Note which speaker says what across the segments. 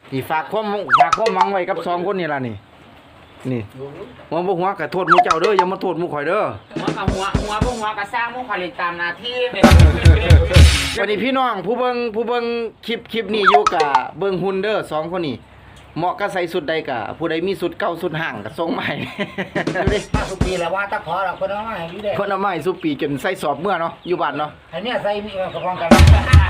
Speaker 1: นี่ฝากความหวังไว้กับสองคนนี่ล่ะนี่หัวกะโทษหมู่เจ้าเด้ออย่ามาโทษหมู่ข่อยเด้อ
Speaker 2: หัวกับหัวพวกหัวกับสร้างพวกผลิตตามหน้าที่
Speaker 1: วันนี้พี่น้องผู้เบิ่งคลิปนี้อยู่กะเบิ่งหุ่นเด้อสองคนนี้เหมาะกับใส่สุดใดกะผู้ใดมีสุดเก่าสุดห่างก็ส่งมาให้
Speaker 2: มาสุปีแล้วว่าตะขอเราคนเอามาให้อยู่เด้
Speaker 1: เพิ่นเอามาให้สุปีจนใส่สอบเมื่อเนาะอยู่บ้านเนาะ
Speaker 2: อันนี้ใส่มีกระพองกัน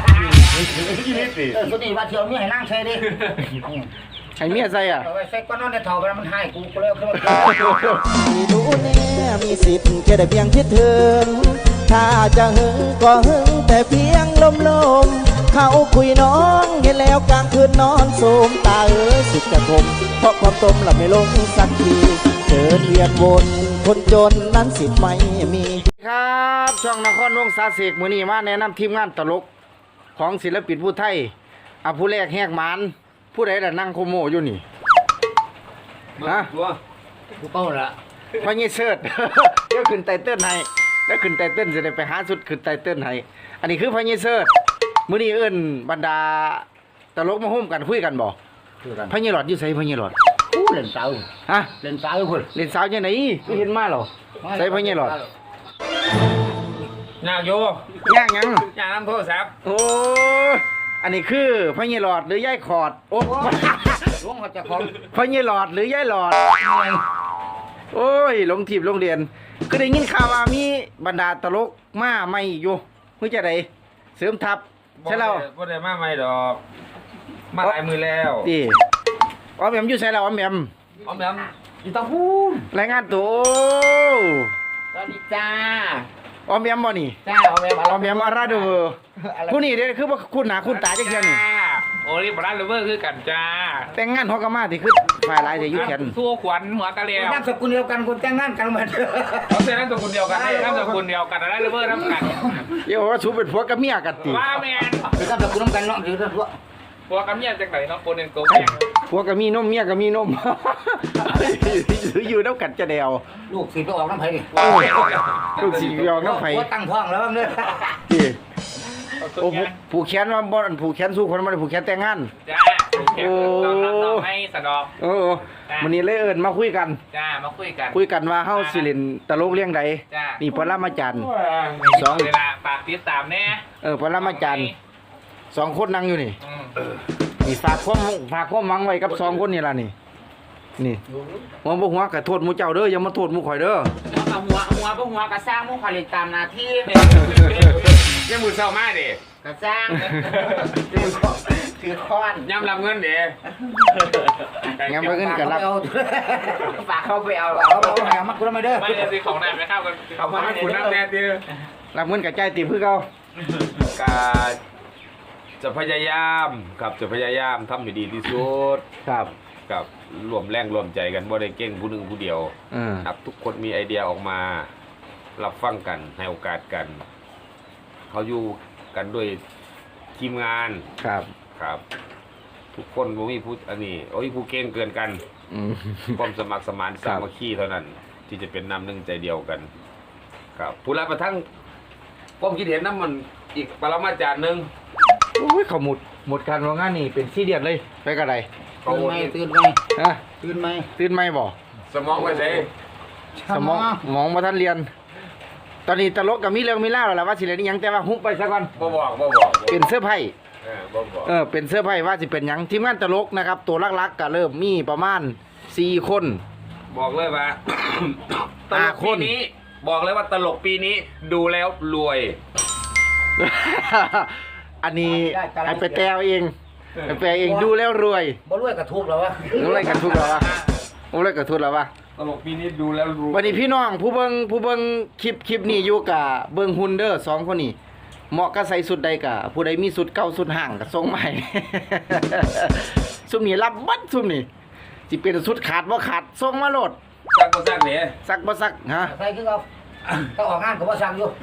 Speaker 2: สุดนี้ว่าเที่ยวมีให้นั่งใส่ดิ
Speaker 1: ให้เมียใส่อ่ะ
Speaker 2: ใส่ก้อนนอนในท่อไปมันให้กูเลยขึ้นมา
Speaker 3: ไม่รู้แน่มีสิทธิ์แค่ได้เพียงคิดถึงถ้าจะหึงก็หึงแต่เพียงลมเขาคุยน้องเห็นแล้วกลางคืนนอนโสมตาสิจะคมเพราะความตมหลับไม่ลงสักทีเดินเวียนวนคนจนนั้นสิทธิ์ไม่มี
Speaker 1: ครับช่องนครวงศาเสกมื้อนี้มาแนะนำทีมงานตลกของศิลปินผู้ไทยผู้แรกแหกหมานผู้ใดล่ะนั่งโคโมอยู่นี่ฮะ
Speaker 2: ผู้เป้าละ
Speaker 1: พอยี่เสิร์ชเดี๋ยวขึ้นไตเติ้ลให้แล้วขึ้นไตเติ้ลจะได้ไปหาสุดขึ้นไตเติ้ลให้อันนี้คือพอยี่เสิร์ชมื้อนี้เอิ้นบรรดาตลกมาโฮมกันคุยกันบ่พอยี่หลอดอยู่ไสพอยี่หลอด
Speaker 2: เล่นสาว
Speaker 1: ฮะ
Speaker 2: เล่นสาวพุ่น
Speaker 1: เล่นสาวจังได๋คือเห็นมาหรอไสพอยี่หลอด
Speaker 2: ยากโย
Speaker 1: ยากหยัง
Speaker 2: ยากนำโทรศัพท์
Speaker 1: โอ้อันนี้คือพญหลอดหรือยายขอดโอ้
Speaker 2: หลวงเขาจะของ
Speaker 1: พญหลอดหรือยายหลอดโอ้ยลงทีบโรงเรียนก็ได้ยินข่าวว่ามีบรรดาตลกมาใหม่อยู่เมื่อจะได้เสริมทัพใช่แล้ว
Speaker 4: บ่ได้มาใหม่ดอกมาหลายมือแล้ว
Speaker 1: ดีอ๋อแหม่มอยู่ใส่แล้วอ๋อแหม่ม
Speaker 2: อยู่ตะพูน
Speaker 1: รายงานตัว
Speaker 2: สวัสดีจ้า
Speaker 1: อ๋อแหม่มบ่นี่
Speaker 2: จ้าอ๋อแห
Speaker 1: ม่มอาราโดผู้นี้เด้คือว่าคุณหน้าคุณตาจังเที่ยนี่
Speaker 4: โอ้ยบ่ได้เลเวอร์คือกันจ้า
Speaker 1: แต่งงานฮอกกามาที่คือฝ่ายหลายสิอยู่แขน
Speaker 4: ทั่วขวัญหัวกะแล้ว
Speaker 2: นามสกุลเดียวกันคนแต่งงานกันเหมือน
Speaker 4: เอาเส้นนามสกุลเดียวกันนามสกุลเดียวกันได้เลเวอร์นำกัน
Speaker 1: เดี๋ยวว่าสูเป็นผัวกับเมียกันติ
Speaker 4: ว่าแม่น
Speaker 2: คือนามสกุลนำกันเนาะคือทั่ว
Speaker 4: ผัวกับเมียจังได๋เนาะคนนึงโกง
Speaker 1: ผัวก็มีนมเมียก็มีนมอยู่น้ำกัดจะแดว
Speaker 2: ลูกสิไปออกน้ำไผ่ดิ
Speaker 1: ลูกสิไปออกน้ำไผ่
Speaker 2: ตั้งท้องแล้วมั้งเนี่ย
Speaker 1: โอ้ผูกแขนมาบ่อนผูกแขนสู้คนมาผูกแขนแต่งงาน
Speaker 4: จ้าโอ้ให้สะดอก
Speaker 1: โอ้วันนี้เลยเอิญมาคุยกัน
Speaker 4: จ้ามาคุย
Speaker 1: กันว่าเฮาสิเล่นตลกเรื่องใดนี่ปรมาจารย์
Speaker 4: 2เวลาฝากติดตามแน่
Speaker 1: ปรมาจารย์2คนนั่งอยู่นี่นี่ฝากความหวังไว้กับ2คนนี่ล่ะนี่หัวกะโทษหมู่เจ้าเด้ออย่ามาโทษหมู่ข่อยเด้อ
Speaker 2: หัวกับหัวพวกหัวกับสร้างพวกผลิตตามหน้าที่
Speaker 4: ยังมือเศร้ามาดิ
Speaker 2: กับสร้างถือค้อน
Speaker 4: ยำรับเงินดิ
Speaker 1: ยำรับเงินกับรับ
Speaker 2: ฝากเขาไปเอาเอามาคุณไม่เด้อ
Speaker 4: ไม่ได้ซื้อของแน่ไม่เข้ากันเขามาให้คุณน้ำแน่ดิ
Speaker 1: รับเงินกับใจตีเพื่อเขา
Speaker 4: จะพยายามครับจะพยายามทำให้ดีที่สุด
Speaker 1: ครับ
Speaker 4: กับรวมแรงรวมใจกันบ่ได้เก่งผู้หนึ่งผู้เดียวครับทุกคนมีไอเดียออกมารับฟังกันให้โอกาสกันเขาอยู่กันด้วยทีมงานครับทุกคนบ่มีผู้อันนี้โอ้ยผู้เก่งเกินกันความสมัครสมานสามัคคีเท่านั้นที่จะเป็นน้ำหนึ่งใจเดียวกันครับผู้รับประทั้งความคิดเห็นนั้นมันอีกปรมาจารย์นึง
Speaker 1: โอ้ยเขาหมดการว่างานนี่เป็นซีเรียสเลยไปกระได
Speaker 2: ตื่นไหม
Speaker 1: ฮะตื่นไหมบ่
Speaker 4: สมองไว้ใส่
Speaker 1: สมองมาท่านเรียนตอนนี้ตลกกับมีเรื่องมีเล่าแล้วว่าสิเล่นยังแต่ว่าฮุบไปซะก่อน
Speaker 4: บ่บอก
Speaker 1: เป็นเสื้อไผ่เป็นเสื้อไผ่ว่าสิเป็นยังทีมงานตลกนะครับตัวลักๆก็เริ่มมีประมาณ4คน
Speaker 4: บอกเลยว่าตลกปีนี้บอกเลยว่าตลกปีนี้ดูแล้วรวย
Speaker 1: อันนี้ให้ไปแปลเองดูแล้วรวย
Speaker 2: บ่รวยกระทุกแล้ววะ
Speaker 1: รวยกระทุกแล้ววะ
Speaker 4: ตลกปีนี้ดูแล้วรวย
Speaker 1: วันนี้พี่น้องผู้เบิ่งคลิปนี้อยู่กับเบิ่งหุ่นเด้อ2คนนี้เหมาะกับใส่สุดใดกะผู้ใดมีสุดเก่าสุดห่างก็ส่งมาให้ซุ่มนี้รับบัดซุ่มนี้สิเป็นสุดขาดบ่ขาดส่งมาโลด
Speaker 4: ซักบ่ซักเด้
Speaker 1: ซักบ่ซักฮะ
Speaker 2: ใส่คือเอาก็ออกงานก็บ่ซักอยู่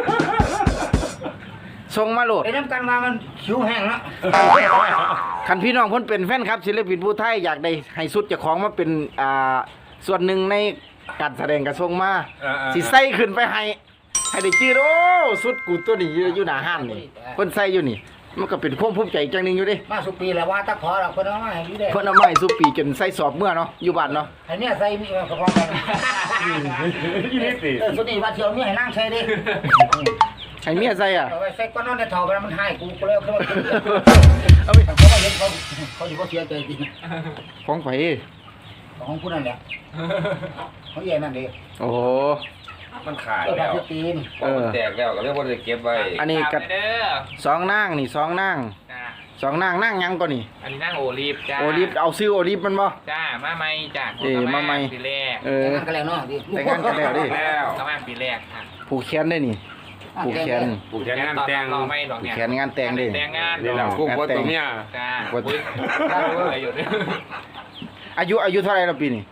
Speaker 1: ส่งมาโหลด
Speaker 2: ไอ้น้ำกันมามันคิ้วแห้งแล้ว
Speaker 1: คันพี่น้องเพิ่นเป็นแฟนครับศิลปินผู้ไทยอยากได้ให้สุดเจ้าของมาเป็นส่วนหนึ่งในการแสดงกระทรวงมาสิใส่ขึ้นไปให้ได้จื้อโอ้สุดกูตัวนี้อยู่หน้าห้านนี่เพิ่นใส่อยู่นี่มันก็เป็นความภูมิใจจังหนึงอยู่เดิ
Speaker 2: มาสุปีแล้วว่าตะขอเราเพิ่นเอามาให้อยู่เด้
Speaker 1: เพิ่นเอามาให้สุปีจนใส่สอบเมื่อเนาะอยู่บ้านเนาะ
Speaker 2: ให้เมียใส่มีกระเพาะกันสุดนี้ว่าเที่ยวเมียให้นั่งใส่ดิ
Speaker 1: ให้เมียใส่อ่ะ
Speaker 2: เอาไว้ใส่ก้อนนอนในท่อไปแล้วมันให้กูก็เลยเอาขึ้นมากิน
Speaker 1: เอาไป
Speaker 2: เขาว่าเห็นเขาอยู่บ่เสียใจจริง
Speaker 1: ของไผ
Speaker 2: ของผู้นั่นแหละเขาใหญ่นั่นดิ
Speaker 1: โอ้โห
Speaker 4: มันขาด
Speaker 2: เออ
Speaker 4: แล้ว
Speaker 2: พี่ตีน
Speaker 4: พอมันแตกแล้วก็เรียกว่าจะเก็บไว้
Speaker 1: อันนี้ก็
Speaker 5: เด้อ
Speaker 1: สองนางนี่สองนาง
Speaker 5: จ้า
Speaker 1: สองนางนางหยังก่อนนี่
Speaker 5: อันนี้นั่งโอลิฟจ้า
Speaker 1: โอลิฟเอาซื้อโอลิฟมันบ่
Speaker 5: จ้ามาใหม่จ้า
Speaker 1: มาใหม่
Speaker 5: ปีแรก
Speaker 1: เอ
Speaker 2: แต่
Speaker 1: อ
Speaker 2: งงานกันแล้วเนาะดิ
Speaker 1: แต่งงานกันแล้วดิ
Speaker 4: แล้ว
Speaker 5: เข้ามาปีแรกค่ะ
Speaker 1: ผูกแขนได้นี่ผูกแขน
Speaker 4: ปลูกแขนงานแต่ง
Speaker 5: รอไม่หรอก
Speaker 1: ผูก
Speaker 5: เนี่ย
Speaker 1: แขนงานแต่งดิ
Speaker 5: แต่งงาน
Speaker 4: นี่แหละพวกว่าตัวเมีย
Speaker 5: จ้า
Speaker 1: ว่า
Speaker 5: อุ้ยได้เลยอยู่เนี่ย
Speaker 1: อายุเท่าไหร่แล้วปีนี้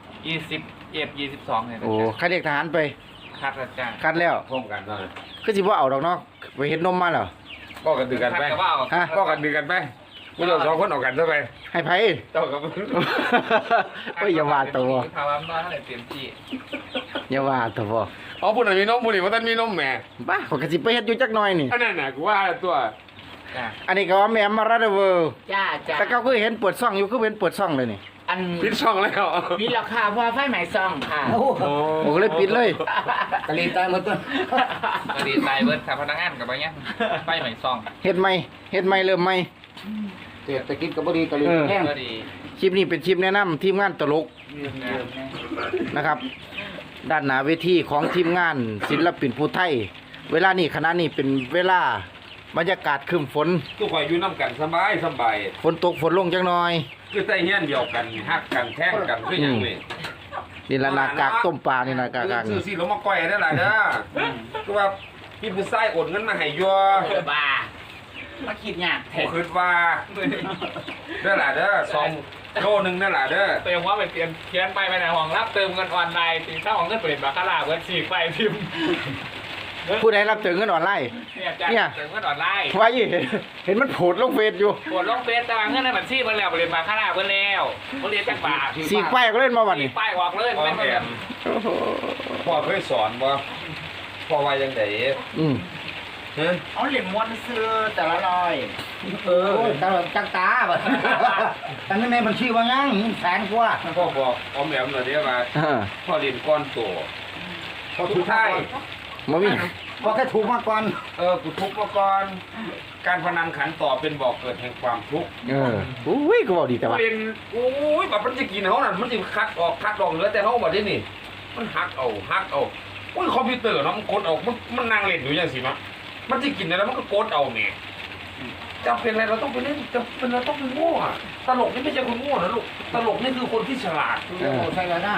Speaker 5: 21 22เนี่ย
Speaker 1: โอ้คัดเรียกทหารไป
Speaker 5: คัดแล้วจ้า
Speaker 1: คัดแล้ว
Speaker 4: พร้อมกันเนาะ
Speaker 1: คือสิบ่เอาดอกเนาะไปเฮ็ดนมมาเหรอ
Speaker 4: ก็กันดือกันไป
Speaker 5: คัดก็ว่าเอา
Speaker 1: ฮะ
Speaker 4: ก็กันดือกันไปพวกเราสองคนออกกันซะไป
Speaker 1: ให้ไผ
Speaker 4: เจ้ากับ
Speaker 1: โอ้ยอย่าว่าตัว
Speaker 5: ภาวะมันเท่าไหร่เต็มที่
Speaker 1: อย่าว่าตัวบ่
Speaker 4: อ๋อผู้นั้นมีนมผู้นี้ว่าท่านมีนมแหม่
Speaker 1: บ้าข้อยก็สิไปเฮ็ดอยู่จักหน่อยนี่
Speaker 4: อันนั้นน่ะกูว่าตัว
Speaker 5: จ้า
Speaker 1: อันนี้ก็ว่าแม่มารัดเวอร์
Speaker 2: จ้าจ้า
Speaker 1: แต่ก็คือเห็นเปิดซ่องอยู่คือเห็นเปิดซ่องเลยนี่
Speaker 2: อัน
Speaker 4: ปิดช่องแล้ว
Speaker 2: มีราคาเพราะไฟไหม้ซองค่ะโอ้
Speaker 1: โอ้ก็เลยปิดเลย
Speaker 2: กะลีตายหมดตัว
Speaker 5: ก็ดีใจเบิร์ดค่ะพนักงานกับไปเงี้ยไปใหม่ซอง
Speaker 1: เฮ็ดใหม่เฮ็ดใหม่เริ่มใหม่
Speaker 2: เศรษฐกิจก็บ่ดีกะลีแห้ง
Speaker 5: ก็ดี
Speaker 1: คลิปนี้เป็นคลิปแนะนำทีมงานตลกนะครับ ด้านหน้าเวทีของทีมงานศิลปินผู้ไทย เวลานี้ขณะนี้เป็นเวลาบรรยากาศครึ้มฝน
Speaker 4: ทุกคนอยู่น้ำกันสบายสบาย
Speaker 1: ฝนตกฝนลงจังหน่อย
Speaker 4: คือใต้เฮี้ยนเดียวกันฮักกันแท่งกันคืออย่างนี้
Speaker 1: นี่ละหนากากต้มปลานี่นะกากาก
Speaker 4: ซื้อสิลงมาก้อยได้หลายเด้อคือว่าพี่ผู้ชายโอนเงินมาให้ยัว
Speaker 5: บ้ามาคิดยาก
Speaker 4: ผมคิดว่าได้หลายเด้อ2 โลนึงได้หลายเด้อ
Speaker 5: เติมว่าไปเปลี่ยนเขียนไปในห้องรับเติมเงินออนไลน์ตีเท่าของเงินเปลี่ยนบาคาร่าเงินฉีกไปพิมพ์
Speaker 1: ผู้ใดรับเติมเงินออนไลน์
Speaker 5: เนี่ยจ้า
Speaker 1: เนี่ย
Speaker 5: เติมเงินออนไลน์
Speaker 1: ไว้เห็นมันโผล่ลงเฟซอยู่
Speaker 5: ปวดลงเฟซตารางเงินในบัญชีเพิ่นแล้วเปลี่ยนบาคาร่าเพิ่นแล้วเพิ่นเรียนจักบาท
Speaker 1: สีกป้ายก็เล่นมาวัน
Speaker 5: สี
Speaker 1: นี้
Speaker 5: ป้ายออกเลย
Speaker 4: พ่อ
Speaker 5: ไม่
Speaker 4: แม่
Speaker 5: เปลี่ยน
Speaker 4: พ่อเคยสอนบ่พ่อว่ายังไง
Speaker 1: อืม
Speaker 4: ฮะ
Speaker 2: เอาเหรียญม้วนซื้อแต่ละร้อยตาจังตาบ่ตั้งในบัญชีว่างั้งแสนกว่า
Speaker 4: พ่อบอกออมแหลมหน่อยเด้อว่า
Speaker 1: อ่า
Speaker 4: พ่อเรียนก้อนโต
Speaker 2: พอ
Speaker 4: ทุ
Speaker 2: ถู
Speaker 4: ก
Speaker 2: ก
Speaker 4: ไทย
Speaker 1: มามี
Speaker 2: พอแค่ถูกมาก่อน
Speaker 4: กูทุกข์มาก่อนการพนันขันต่อเป็นบ่อเกิดแห่งความทุกข์
Speaker 1: อุ้ยก็บอกดีแต่ว่า
Speaker 4: เรียนโอ้ยแบบมันจะกินเขาน่ะมันจะคัดออกเหลือแต่เขาบ่ได้นี่ มันหักเอาโอ้ยคอมพิวเตอร์เนาะมันกดเอามันนั่งเล่นอยู่อย่างสินะมันจะกินอะไรมันก็กดเอาเนี่ยจำเป็นอะไรเราต้องไปเล่นจำเป็นเราต้องเป็นโง่อะตลกนี่ไม่ใช่คนโง่นะลูกตลกนี่คือคนที่ฉลาด
Speaker 2: โอ้ใช่แล้วนะ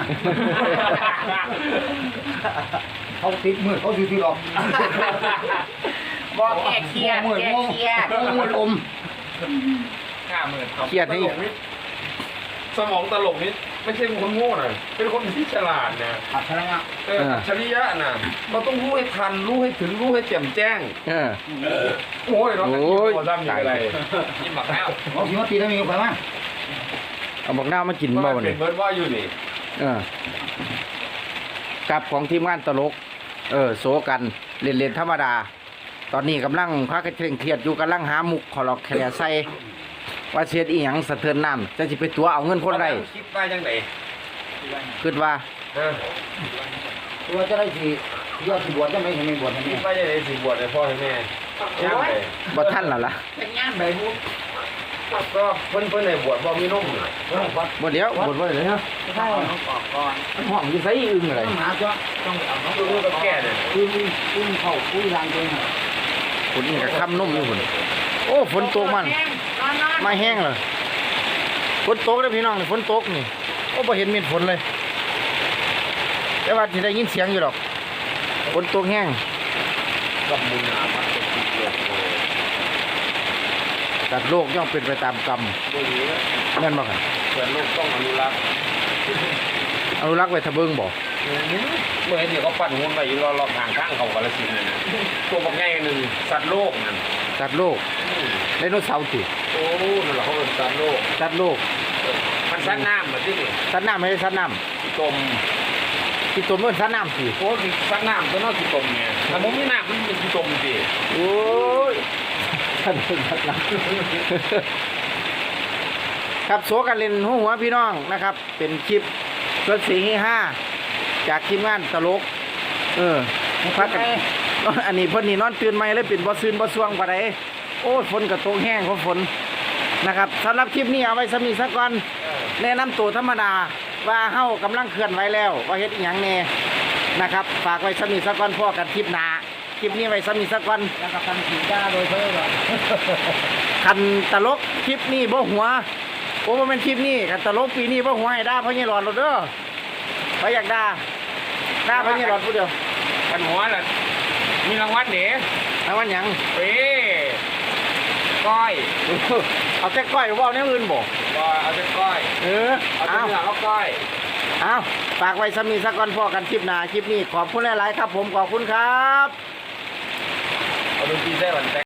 Speaker 2: เขาติดมือเขาอยู่ที่หรอก
Speaker 5: บอกแก้เครียด
Speaker 2: มือ
Speaker 5: แก้
Speaker 2: โง่
Speaker 5: เครียด
Speaker 2: มือลม
Speaker 5: 50,000ครับ
Speaker 1: เครียด
Speaker 4: ต
Speaker 1: นี่
Speaker 4: ลกนี่สมองตลกนี่ไม่ใช่คนโง่นะเป็นคนที่ฉลาดนะ
Speaker 2: อัศระ
Speaker 4: อัจฉริยะนะเราต้องรู้ให้ทันรู้ให้ถึงรู้ให้แจ่มแจ้ง
Speaker 1: เออ
Speaker 4: โอ้ยเรา
Speaker 1: โอ้ย
Speaker 4: พอทำอย่างไร
Speaker 5: กินหมักแล้ว
Speaker 2: เขาสิว่าตีได้มีไปมั้ย
Speaker 1: เอาบอกหน้ามากิน
Speaker 4: มา
Speaker 1: บ่วัน
Speaker 4: เป็
Speaker 1: นี้
Speaker 4: นเบิร์ดว่าอยู่นี่
Speaker 1: เออกับของทีมงานตลก โซกันเล่นๆธรรมดา ตอนนี้กำลังพักเคร่งเครียดอยู่กำลังหามุกขอลอกแคลใส่ว่าเสียดอีหยังสะเทือนน้ำจะสิไปตัวเอาเงินคนใด
Speaker 4: คิดว่าจังไหน
Speaker 1: คิดว่า
Speaker 4: เออ
Speaker 2: ตัวจะได้ทียอดที่บวชจะไม่เห็นมีบวชให้
Speaker 4: คิ
Speaker 2: แม่
Speaker 4: ดว่าจังไหนสิบวชให้พ่อให้แม่ย่างไป
Speaker 1: บ่ท่านแล้วล่ะ
Speaker 2: เป็นงานใบบุญ
Speaker 4: ก็เพิ่นในบวชบ่มีนมนี่
Speaker 1: บ่เดี๋ยวบ่บ่เลยฮะ
Speaker 2: ใช่ต้องออกก่อน
Speaker 1: ห้องอยู่ไสอึ้งอะไร
Speaker 2: ต้องหาจ้ะต้องเอาน้อง
Speaker 4: ดูกับแก่เนี่ย
Speaker 2: คุยเข้าคุยรางเอง
Speaker 1: ฝนนี่ก็ค่ำนมอยู่พุ่นโอ้ฝนตกมันมาแห้งเลยฝนตกเด้อพี่น้องนี่ฝนตกนี่โอ้บ่เห็นเม็ดฝนเลย แต่ว่าสิได้ยินเสียงอยู่ดอกฝนตกแห้ง
Speaker 4: กับมุนามันเป็นสิบโลก
Speaker 1: แต่โลกย่อมเป็นไปตามกรรม
Speaker 4: ตัวนี้
Speaker 1: แม่นบ่ครับ
Speaker 4: เพื่อนลูกต้องอนุรักษ์
Speaker 1: อนุรักษ์ไว้ทะเบิงบ่
Speaker 4: เมื่อเดี๋ยวเขาปั่นหุ้นไปอยู่รอทางข้างเขากาลสินธุ์นั่นน่ะตัวบักใหญ่หนึ่งสัตว์โลกนั่น
Speaker 1: สัตว์โลกไดโนเสาร์ติ
Speaker 4: โอ้นั่นแหละเขาเป็นสัตว์โลก
Speaker 1: สัตว์โลก
Speaker 4: มันสัตว์น้ำเหมือนที่นี่
Speaker 1: สัตว์น้ำไม่ใช่สัตว์น้
Speaker 4: ที่ตม
Speaker 1: ำที่ตัวมันสัตว์น้ำสิ
Speaker 4: โอ้คือสัตว์น้ำตัวน้อยที่ตมเนี่ยแต่ผมมีน้ำมันเป็นที่ตมสิ
Speaker 1: โอ้ยครับโสกันเล่นหัวพี่น้องนะครับ เป็นคลิปรถสี5จากทีมงานตลกพักกันอันนี้เพิ่นนี่นอนตื่นใหม่เลยเป็นบ่ซื่นบ่สวงปานใดโอ้ฝนก็ตกแห้งเพราะฝนนะครับสำหรับคลิปนี้เอาไว้สำนี้ซะก่อนแนะนำตัวธรรมดาว่าเฮากำลังเคลื่อนไหวแล้วว่าเฮ็ดอีหยังแน่นะครับฝากไว้สำนี้ซะก่อนพอกันคลิปหน้าคลิปนี้ไว้สำนี้ซะก่อน
Speaker 2: แล้วก็ทำสีด้าโดยเพิ่มหรอ
Speaker 1: คันตลกคลิปนี้บ่หัวโอ้บ่แม่นคลิปนี้คันตลกปีนี้บ่หัวให้ด่าพ่อใหญ่หลอดโลดเด้อไปอยากด่าพ่อใหญ่หลอดผู้เดียว
Speaker 5: กันหัวน่ะมีรางวัลเด้
Speaker 1: รางวัลหยัง
Speaker 5: เอ้ก้อย
Speaker 1: เอาแต่ก้อยบ่เอาแนวอื่นบ่
Speaker 5: ก็เอาแต่ก้อย เอาแต่
Speaker 1: เอา
Speaker 5: เนื้อเอาก้อย
Speaker 1: เอาฝากไว้สำนี้ซะก่อนพอกันคลิปหน้าคลิปนี้ขอบคุณหลายๆครับผมขอบคุณครับ
Speaker 5: เอาดนตรีได้วันแต่